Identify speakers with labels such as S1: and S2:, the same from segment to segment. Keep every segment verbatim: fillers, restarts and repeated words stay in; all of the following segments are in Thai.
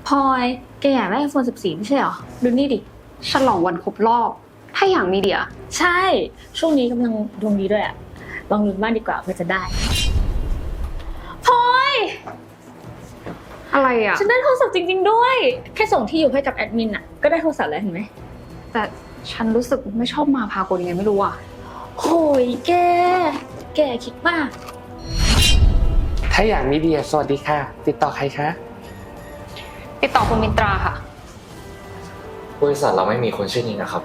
S1: พลอยแกอยากได้ ไอโฟน สิบสี่ไม่ใช่เหรอดูนี่ดิ
S2: ฉลองวันครบรอบถ้าอย่างมีเดีย
S1: ใช่ช่วงนี้กำลังดวงดีด้วยอะลองลุ้นบ้างดีกว่าเพื่อจะได้พลอย
S2: อะไรอ่ะ
S1: ฉันได้โทรศัพท์จริงๆด้วยแค่ส่งที่อยู่ให้กับแอดมินอะก็ได้โทรศัพท์แล้วเห็นไหม
S2: แต่ฉันรู้สึกไม่ชอบมาพากลยังไงไม่รู้อ่ะ
S1: โหยแกแกคิดมาก
S3: ถ้าอย่างมีเดียสวัสดีค่ะติดต่อใครคะ
S2: ติดต่อคุณมินตราค่ะ
S4: บริษัทเราไม่มีคนชื่อนี้นะครับ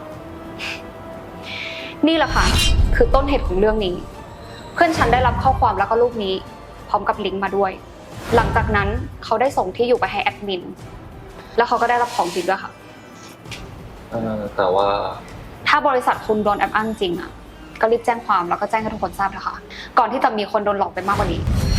S2: นี่แหละค่ะคือต้นเหตุของเรื่องนี้เพื่อนฉันได้รับข้อความแล้วก็รูปนี้พร้อมกับลิงก์มาด้วยหลังจากนั้นเขาได้ส่งที่อยู่ไปให้แอดมินแล้วเขาก็ได้รับของจริงด้วยค่ะ
S4: เออแต่ว่า
S2: ถ้าบริษัทคุณโดนแอบอ้างจริงอ่ะก็รีบแจ้งความแล้วก็แจ้งให้ทุกคนทราบนะคะก่อนที่จะมีคนโดนหลอกไปมากกว่านี้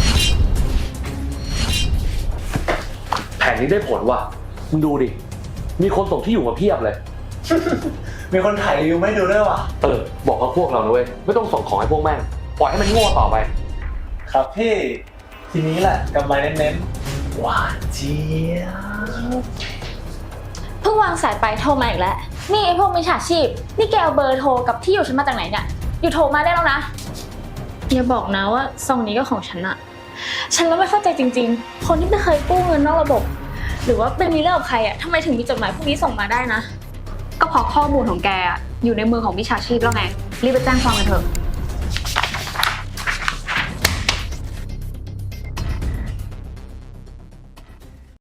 S3: แผนนี้ได้ผลว่ะมึงดูดิมีคนส่งที่อยู่มาเพียบเลย
S5: มีคนถ่ายรีวิวไม่ดูด้วยว่ะ
S3: เออบอกกับพวกเรานะเว้ยไม่ต้องส่งของให้พวกแม่งปล่อยให้มันโง่ต่อไป
S5: ครับพี่ทีนี้แหละกำไรเน้นๆหวานเจี๊ยบ
S1: เพิ่งวางสายไปโทรมาอีกแล้วนี่ไอพวกมิจฉาชีพนี่แกเอาเบอร์โทรกับที่อยู่ฉันมาจากไหนเนี่ยอยู่โทรมาได้แล้วนะอย่าบอกนะว่าซองนี้ก็ของฉันอะฉันก็ไม่เข้าใจจริงๆคนที่ไม่เคยกู้เงินนอกระบบหรือว่าเป็นมีเรื่องกับใครอะทำไมถึงมีจดหมายพวกนี้ส่งมาได้นะ
S2: ก็เพราะข้อมูลของแกอยู่ในมือของมิจฉาชีพแล้วไงรีบไปแจ้งความกันเถอะ